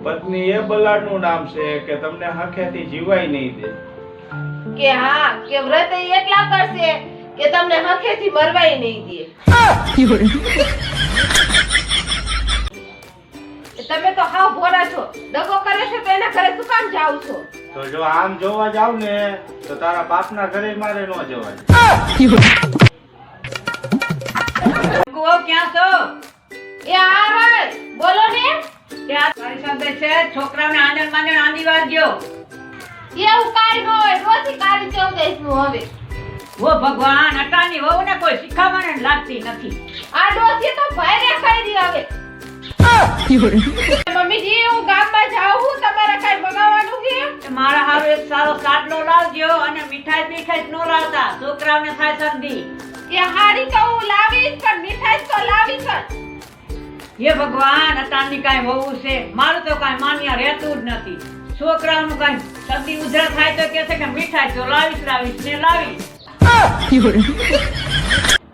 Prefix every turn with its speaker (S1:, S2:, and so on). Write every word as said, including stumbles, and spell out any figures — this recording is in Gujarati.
S1: પત્ની એ બલાડનું નામ છે કે તમને હખેથી જીવાય નહીં દે.
S2: કે હા કે વ્રત ઈ એટલા કરશે કે તમને હખેથી મરવાય નહીં દે. તમે તો હાવ ભોળા છો. દગો કરે છે તો એના ઘરે શું કામ જાવ છો?
S1: તો જો આમ જોવા જાવ ને તો તારા બાપના ઘરે મારે ન જવાય.
S3: કુવો ક્યાં છો?
S2: એ આવે બોલો ને.
S3: ત્યાં તારી સાથે છે છોકરાઓને આંદણ માંડણ આંદી વાગ્યો.
S2: એવું કાઈ ન હોય. રોજી કાળી ચૌદશ નું હવે.
S3: ઓ ભગવાન, અટાની વહુને કોઈ શીખામણ જ લાગતી નથી.
S2: આ ડોસી તો ભારે ખાઈ રહી હવે. મમ્મીજી હું ગામમાં જાઉં છું. તમારે કઈ મંગાવવાનું છે?
S3: મારા હારું એક સારો સાટલો લાવજો અને મીઠાઈ પીઠાઈ નો લાવતા, છોકરાઓને થાય શરદી.
S2: એ હારી તો હું લાવીશ પણ મીઠાઈ તો લાવીશ જ.
S3: હે ભગવાન, અટાની કાંઈ વહુ છે, મારું તો કાંઈ માન્યા રહેતું જ નથી. છોકરાઓનું કાંઈ શરદી ઉધરસ થાય તો કહે છે કે મીઠાઈ તો લાવીશ લાવીશ ને લાવીશ.